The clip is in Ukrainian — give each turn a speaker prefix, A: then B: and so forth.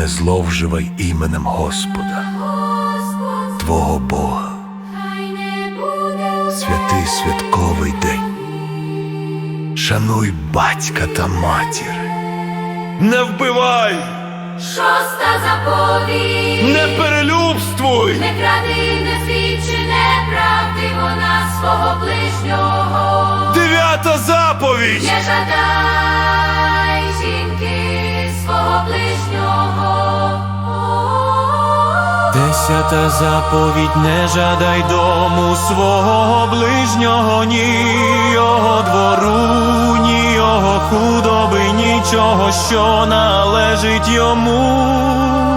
A: не зловживай іменем Господа, твого Бога. Святий святковий день. Шануй батька та матір. Не вбивай!
B: Шоста заповідь.
A: Не перелюбствуй!
B: Не кради, не свідчи неправди, вона свого ближнього.
A: Дев'ята заповідь!
B: Не жадай жінки свого ближнього.
C: Десята заповідь: не жадай дому свого ближнього, ні його двору, ні його худоби, нічого, що належить йому.